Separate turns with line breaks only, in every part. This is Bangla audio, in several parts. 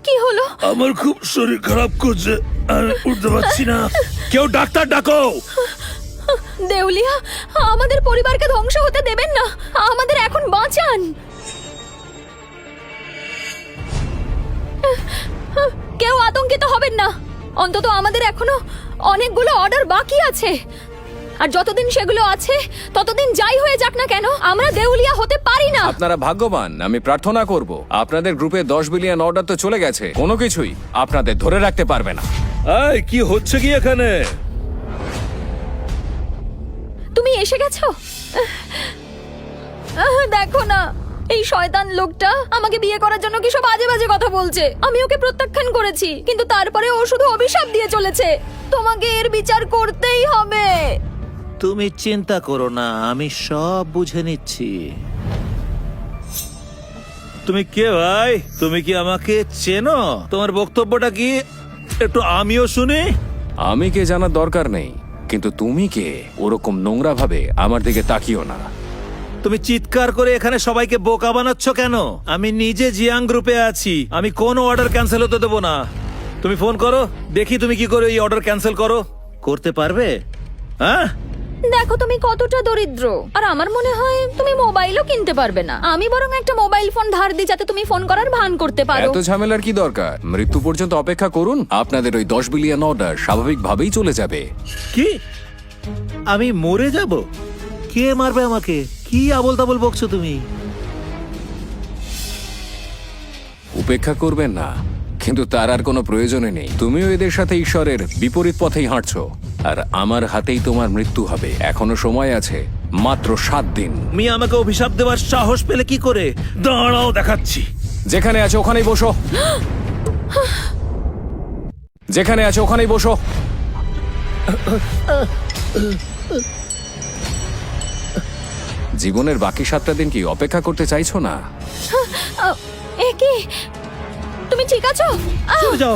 কি হলো?
আমার খুব শরীর খারাপ করছে, আর উঠতে পারছি না। কেউ ডাক্তার ডাকো।
দেউলিয়া, আমাদের পরিবারকে ধ্বংস হতে দেবেন না, আমাদের এখন বাঁচান। কেউ আতঙ্কিত হবেন না, অন্তত আমাদের এখনো অনেকগুলো অর্ডার বাকি আছে, আর যতদিন সেগুলো আছে ততদিন যাই হয়ে যাক না কেন আমরা দেউলিয়া হতে পারি না।
আপনারা ভাগ্যবান। আমি প্রার্থনা করব আপনাদের গ্রুপে 10 বিলিয়ন অর্ডার তো চলে গেছে, কোনো কিছুই আপনাদের ধরে রাখতে পারবে না।
এই কি হচ্ছে কি এখানে?
তুমি এসে গেছো? দেখো না, এই শয়তান লোকটা আমাকে বিয়ে করার জন্য কি সব আজে বাজে কথা বলছে। আমি ওকে প্রত্যাখ্যান করেছি, কিন্তু তারপরে ও শুধু অভিশাপ দিয়ে চলেছে। তোমাকে এর বিচার করতেই হবে।
তুমি চিন্তা করো না, আমি সব বুঝে নিচ্ছি। তুমি কে ভাই? তুমি কি আমাকে চেনো? তোমার বক্তব্যটা কি একটু আমিও শুনি।
আমি কে জানার দরকার নেই, কিন্তু তুমি কে ওরকম নোংরা ভাবে আমার দিকে তাকিও না।
তুমি চিৎকার করে এখানে সবাইকে বোকা বানাচ্ছ কেন? আমি নিজে জিয়াং গ্রুপে আছি, আমি কোনো অর্ডার ক্যান্সেল হতে দেবো না। তুমি ফোন করো, দেখি তুমি কি করে এই অর্ডার ক্যান্সেল করো। করতে পারবে? হ্যাঁ,
দেখো তুমি কতটা দরিদ্র, আর আমার মনে হয় তুমি মোবাইলও কিনতে পারবে না। আমি বরং একটা মোবাইল ফোন ধার দিই, যাতে তুমি ফোন করার ভান করতে পারো।
এত ঝামেলার কি দরকার? মৃত্যু পর্যন্ত অপেক্ষা করুন, আপনাদের ওই 10 বিলিয়ন অর্ডার স্বাভাবিকভাবেই চলে যাবে।
কি আমি মরে যাব? কে মারবে আমাকে? কি আবোল তাবোল বকছো তুমি?
উপেক্ষা করবেন না, কিন্তু তার আর কোনো প্রয়োজনই নেই। তুমিও এদের সাথে ঈশ্বরের বিপরীত পথেই হাঁটছো, আর আমার হাতেই তোমার মৃত্যু হবে। এখনো সময় আছে, মাত্র 7 দিন।
তুমি আমাকে অভিশাপ দেওয়ার সাহস পেলে কি করে?
দাঁড়াও, দেখাচ্ছি।
যেখানে আছে ওখানেই বসো, যেখানে আছে ওখানেই বসো। জীবনের বাকি 7টা দিন কি অপেক্ষা করতে চাইছো না?
এ কি, তুমি ঠিক আছো?
চলে যাও।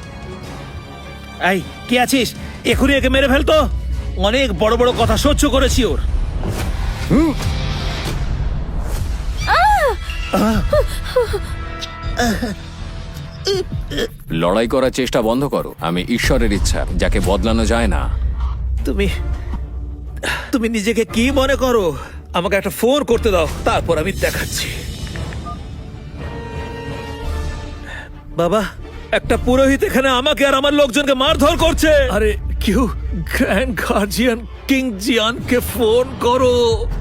এই কি আছিস? এখনই একে মেরে ফেলতো। অনেক বড় বড় কথা সহ্য করেছি ওর।
লড়াই করার চেষ্টা বন্ধ করো। আমি ঈশ্বরের ইচ্ছা, যাকে বদলানো যায় না।
তুমি তুমি নিজেকে কি মনে করো? আমাকে একটা ফোন করতে দাও, তারপর আমি দেখাচ্ছি। বাবা, একটা পুরোহিত এখানে আমাকে আর আমার লোকজনকে মারধর করছে। আরে কেউ গ্র্যান্ড গার্জিয়ান কিং জিয়ানকে ফোন করো।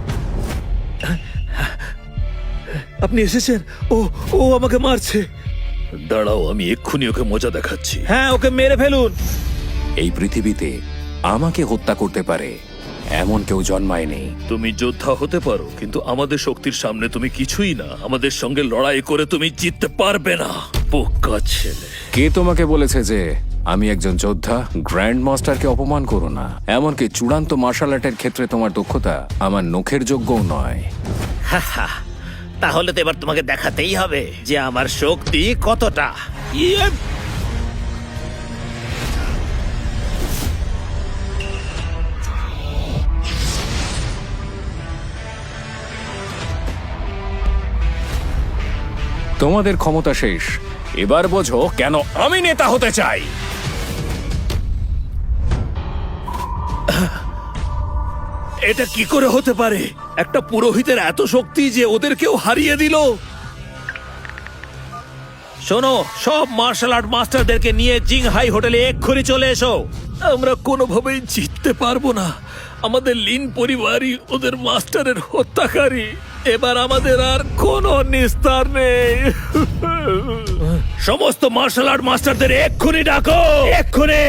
আপনি এসেছেন? ও ও আমাকে মারছে।
দাঁড়াও, আমি এক্ষুনি ওকে মজা দেখাচ্ছি।
হ্যাঁ, ওকে মেরে ফেলুন।
এই পৃথিবীতে আমাকে হত্যা করতে পারে এমন কেউ জন্মায়নি।
তুমি যোদ্ধা হতে পারো, কিন্তু আমাদের শক্তির সামনে তুমি কিছুই না। আমাদের সঙ্গে লড়াই করে তুমি জিততে পারবে না, বোকা ছেলে।
কে তোমাকে বলেছে যে আমি একজন যোদ্ধা? গ্র্যান্ড মাস্টারকে অপমান করো না। এমনকি চূড়ান্ত মার্শাল আর্টের ক্ষেত্রে তোমার দক্ষতা আমার নখের যোগ্যও নয়।
তাহলে তো এবার তোমাকে দেখাতেই হবে যে আমার শক্তি কতটা।
তোমাদের ক্ষমতা শেষ, এবার বোঝো কেন আমি নেতা হতে চাই।
এটা কি করে হতে পারে? একটা পুরোহিতের এত শক্তি যে ওদেরকেও হারিয়ে দিল।
শোনো, সব মার্শাল আর্ট মাস্টারদেরকে নিয়ে জিংহাই হোটেলে এক্ষুনি চলে এসো।
আমরা কোনোভাবেই জিততে পারবো না। আমাদের লিন পরিবারই ওদের মাস্টারের হত্যাকারী। এবার আমাদের আর কোনো নিস্তার নেই। সমস্ত মার্শাল আর্ট মাস্টারদের এক্ষুনি ডাকো, এক্ষুনি।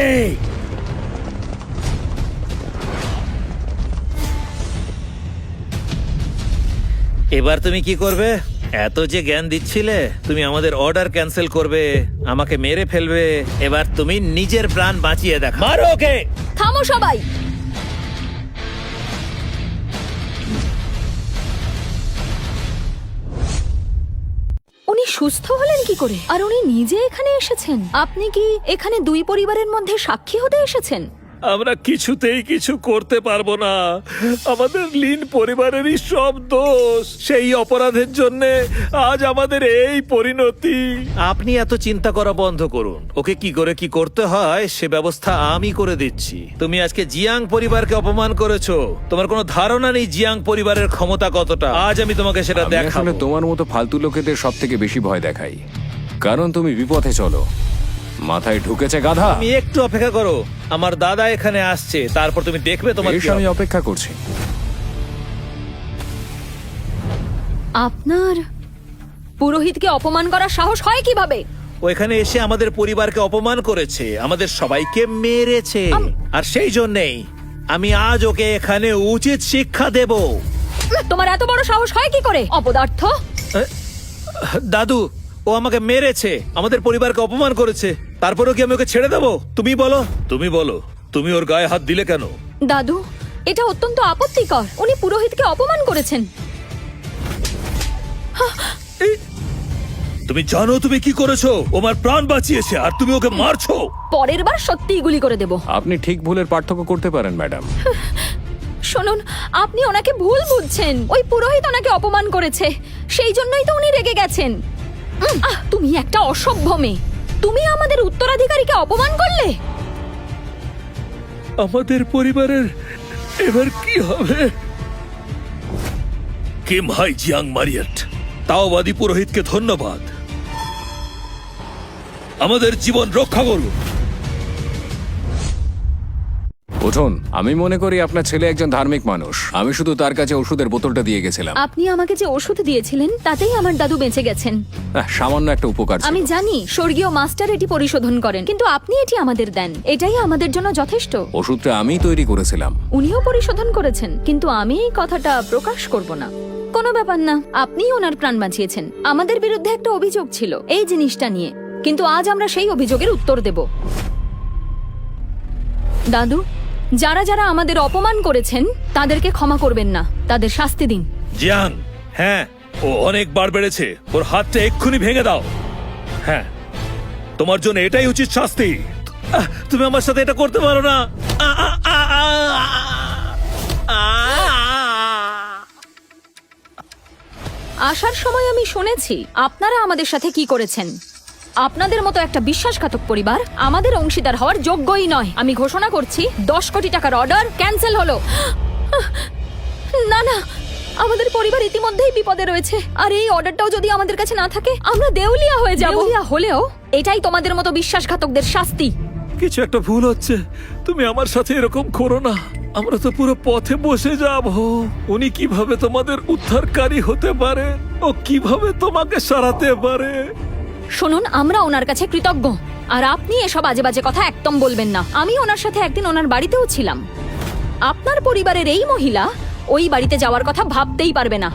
এবার তুমি কি করবে? এত যে জ্ঞান দিচ্ছিলে, তুমি আমাদের অর্ডার ক্যান্সেল করবে, আমাকে মেরে ফেলবে। এবার তুমি নিজের প্রাণ বাঁচিয়ে দেখো।
মারো ওকে।
থামো সবাই। উনি সুস্থ হলেন কি করে? আর উনি নিজে এখানে এসেছেন? আপনি কি এখানে দুই পরিবারের মধ্যে সাক্ষী হতে এসেছেন?
আমরা কিছুতেই কিছু করতে পারবো না। আমাদের লিন পরিবারেরই সব দোষ। সেই অপরাধের জন্য আজ আমাদের এই পরিণতি।
আপনি এত চিন্তা করা বন্ধ করুন। ওকে কি করে কি করতে হয় সে ব্যবস্থা আমি করে দিচ্ছি। তুমি আজকে জিয়াং পরিবারকে অপমান করেছো। তোমার কোনো ধারণা নেই জিয়াং পরিবারের ক্ষমতা কতটা। আজ আমি তোমাকে সেটা
আমি
দেখাবো।
আসলে তোমার মতো ফালতু লোকেদের সব থেকে বেশি ভয় দেখাই, কারণ তুমি বিপথে চলো। মাথায় ঢুকেছে গাধা।
তুমি একটু অপেক্ষা করো, আমার দাদা এখানে আসছে, তারপর তুমি দেখবে তোমার
বেশ,
কি
আমি
হবে।
অপেক্ষা করছি।
আপনার পুরোহিতকে অপমান করার সাহস হয় কিভাবে?
ও এখানে এসে আমাদের পরিবারকে অপমান করেছে, আমাদের সবাইকে মেরেছে, আর সেই জন্যেই আমি আজ ওকে এখানে উচিত শিক্ষা দেব।
তোমার এত বড় সাহস হয় কি করে, অপদার্থ?
দাদু, ও আমাকে মেরেছে, আমাদের পরিবারকে অপমান করেছে, তারপরেও কি আমি ওকে ছেড়ে দেবো? তুমি বলো।
তুমি ওর গায়ে হাত দিলে কেন?
দাদু, এটা অত্যন্ত আপত্তিকর। উনি পুরোহিতকে অপমান করেছেন।
তুমি জানো তুমি কি করেছো? ও আমার প্রাণ বাঁচিয়েছে আর তুমি ওকে মারছো।
পরের বার সত্যিই গুলি করে দেব।
আপনি ঠিক ভুলের পার্থক্য করতে পারেন ম্যাডাম।
শুনুন, আপনি ওনাকে ভুল বুঝছেন। ওই পুরোহিত ওনাকে অপমান করেছে, সেই জন্যই তো উনি রেগে গেছেন। তুমি একটা অসভ্য মেয়ে। তুমি আমাদের উত্তরাধিকারীকে অপমান করলে।
আমাদের পরিবারের এবার কি হবে? কিম হাই জিয়াং মারিয়েট, তাওবাদী পুরোহিতকে ধন্যবাদ। আমাদের জীবন রক্ষা করুন।
উঠুন। আমি মনে করি আপনার ছেলে একজন ধার্মিক মানুষ। আমি শুধু তার কাছে ওষুধের বোতলটা দিয়ে গেছিলাম।
আপনি আমাকে যে ওষুধ দিয়েছিলেন তাতেই আমার দাদু বেঁচে গেছেন।
সামান্য একটা উপকার ছিল।
আমি জানি স্বর্গীয় মাস্টার এটি পরিশোধন করেন, কিন্তু আপনি এটি আমাদের দেন, এটাই আমাদের জন্য যথেষ্ট।
ওষুধটা আমি তৈরি করেছিলাম।
উনিও পরিশোধন করেছেন, কিন্তু আমি এই কথাটা প্রকাশ করব না। কোনো ব্যাপার না, আপনিই ওনার প্রাণ বাঁচিয়েছেন। আমাদের বিরুদ্ধে একটা অভিযোগ ছিল এই জিনিসটা নিয়ে, কিন্তু আজ আমরা সেই অভিযোগের উত্তর দেব। দাদু, যারা যারা আমাদের অপমান করেছেন তাদেরকে ক্ষমা করবেন না, তাদের শাস্তি দিন।
জিয়াং, হ্যাঁ, ও অনেকবার বেড়েছে। ওর হাতটা এক্ষুনি ভেঙে দাও। হ্যাঁ, তোমার জন্য এটাই উচিত শাস্তি।
তুমি আমার সাথে এটা করতে পারো না।
আসার সময় আমি শুনেছি আপনারা আমাদের সাথে কি করেছেন। আপনাদের মতো একটা বিশ্বাসঘাতক পরিবার আমাদের অংশীদার হওয়ার যোগ্যই নয়। আমি ঘোষণা করছি 10 কোটি টাকার অর্ডার ক্যান্সেল হলো। না না, আমাদের পরিবার ইতিমধ্যেই বিপদে রয়েছে, আর এই অর্ডারটাও যদি আমাদের কাছে না থাকে আমরা দেউলিয়া হয়ে যাব। দেউলিয়া হলেও এটাই তোমাদের মতো বিশ্বাসঘাতকদের শাস্তি।
কিছু একটা ভুল হচ্ছে। তুমি আমার সাথে এরকম করো না। আমরা তো পুরো পথে বসে যাব। উনি কিভাবে তোমাদের উদ্ধারকারী হতে পারে? ও কিভাবে তোমাকে সারাতে পারে?
শুনুন, আমরা ওনার কাছে কৃতজ্ঞ, আর আপনি এসব আজে বাজে কথা একদম বলবেন না। আমি ওনার সাথে একদিন ওনার বাড়িতেও ছিলাম। আপনার পরিবারের এই মহিলা ওই বাড়িতে যাওয়ার কথা ভাবতেই পারবে না।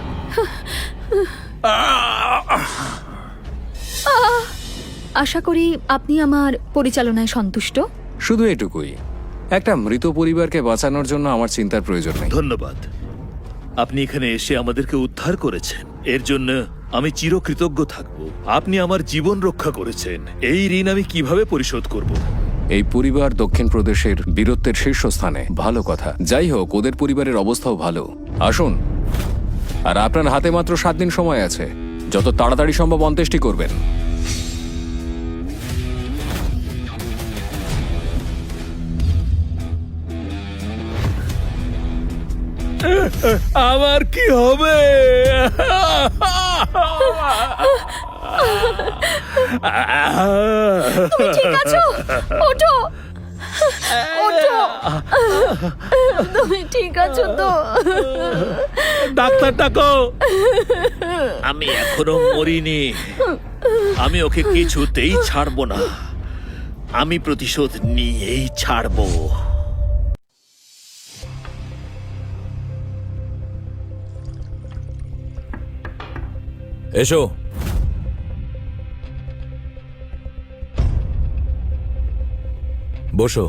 আশা করি আপনি আমার পরিচালনায় সন্তুষ্ট।
শুধু এটুকুই, একটা মৃত পরিবারকে বাঁচানোর জন্য আমার চিন্তার প্রয়োজন নেই।
ধন্যবাদ। আপনি এখানে এসে আমাদেরকে উদ্ধার করেছেন, এর জন্য আমি চিরকৃতজ্ঞ থাকব। আপনি আমার জীবন রক্ষা করেছেন। এই ঋণ আমি কিভাবে পরিশোধ করব?
এই পরিবার দক্ষিণ প্রদেশের বীরত্বের শীর্ষস্থানে। ভালো কথা। যাই হোক, ওদের পরিবারের অবস্থাও ভালো। আসুন। আর আপনার হাতে মাত্র 7 দিন সময় আছে। যত তাড়াতাড়ি সম্ভব অন্ত্যেষ্টি করবেন।
আমার কি হবে?
তুমি ঠিক আছো? ওঠো, ওঠো। তুমি ঠিক আছো তো?
ডাক্তার ডাকো। আমি এখনো মরিনি। আমি ওকে কিছুতেই ছাড়বো না। আমি প্রতিশোধ নিয়েই ছাড়বো।
এসো। বসো।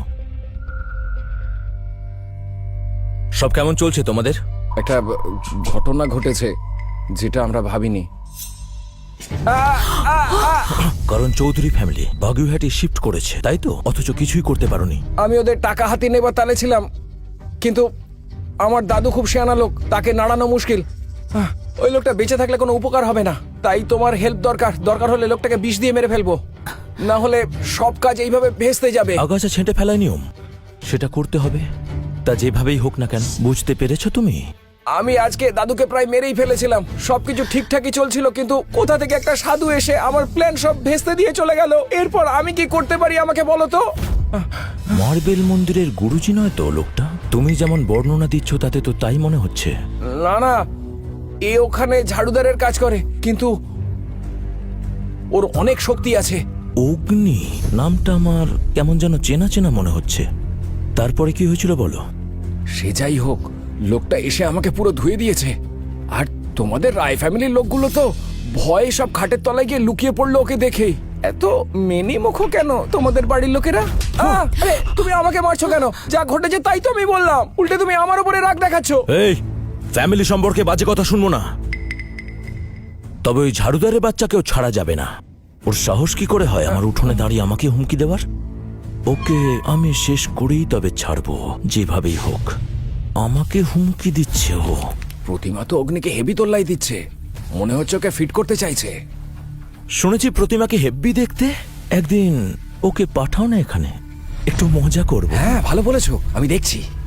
সব কেমন চলছে তোমাদের?
একটা ঘটনা ঘটেছে যেটা আমরা ভাবিনি।
কারণ চৌধুরী ফ্যামিলি বাগুইহাটি শিফট করেছে তাই তো, অথচ কিছুই করতে পারোনি।
আমি ওদের টাকা হাতে নেবার তালে ছিলাম, কিন্তু আমার দাদু খুব শেয়ানা লোক, তাকে নাড়ানো মুশকিল। ওই লোকটা বেঁচে থাকলে কোনো উপকার হবে না, তাই তোমার হেল্প দরকার হলে লোকটাকে বিষ দিয়ে মেরে ফেলবো, না হলে সব কাজ এইভাবে ভেস্তে যাবে।
আগাছা ছেঁটে ফেলার নিয়ম, সেটা করতে হবে। তা যেভাবেই হোক না কেন, বুঝতে পেরেছো তুমি?
আমি আজকে দাদুকে প্রায় মেরেই ফেলেছিলাম, সবকিছু ঠিকঠাকই চলছিল, কিন্তু কোথা থেকে একটা সাধু এসে আমার প্ল্যান সব ভেস্তে দিয়ে চলে গেল। এরপর আমি কি করতে পারি আমাকে বলো তো?
মার্বেল মন্দিরের গুরুজি নয় তো লোকটা? তুমি যেমন বর্ণনা দিচ্ছ তাতে তো তাই মনে হচ্ছে।
না না, এ ওখানে ঝাড়ুদারের কাজ করে, কিন্তু ওর অনেক শক্তি আছে।
অগ্নি নামটা আমার কেমন যেন চেনা চেনা মনে হচ্ছে। তারপরে কি হয়েছিল বলো?
সে যাই হোক, লোকটা এসে আমাকে পুরো ধুয়ে দিয়েছে। আর তোমাদের রায় ফ্যামিলির লোকগুলো তো ভয়ে সব খাটের তলায় গিয়ে লুকিয়ে পড়লো ওকে দেখেই। এত মেনি মুখো কেন তোমাদের বাড়ির লোকেরা? আরে, তুমি আমাকে মারছো কেন? যা ঘটেছে তাই তো আমি বললাম, উল্টে তুমি আমার উপরে রাগ দেখাচ্ছ।
এই ফ্যামিলি সম্পর্কে বাজে কথা শুনবো না। তবে ওই ঝাড়ুদারের বাচ্চাকেও ছাড়া যাবে না। ওর সাহস কি করে হয় আমার উঠোনে দাঁড়িয়ে আমাকে হুমকি দেওয়ার? ওকে আমি শেষ করেই তবে ছাড়বো, যেভাবেই হোক। আমাকে হুমকি দিচ্ছে ও।
প্রতিমা তো অগ্নিকে হেভি তোল্লাই দিচ্ছে, মনে হচ্ছে ওকে ফিট করতে চাইছে।
শুনেছি প্রতিমাকে হেব্বি দেখতে। একদিন ওকে পাঠাও না এখানে, একটু মজা করবো।
হ্যাঁ, ভালো বলেছো, আমি দেখছি।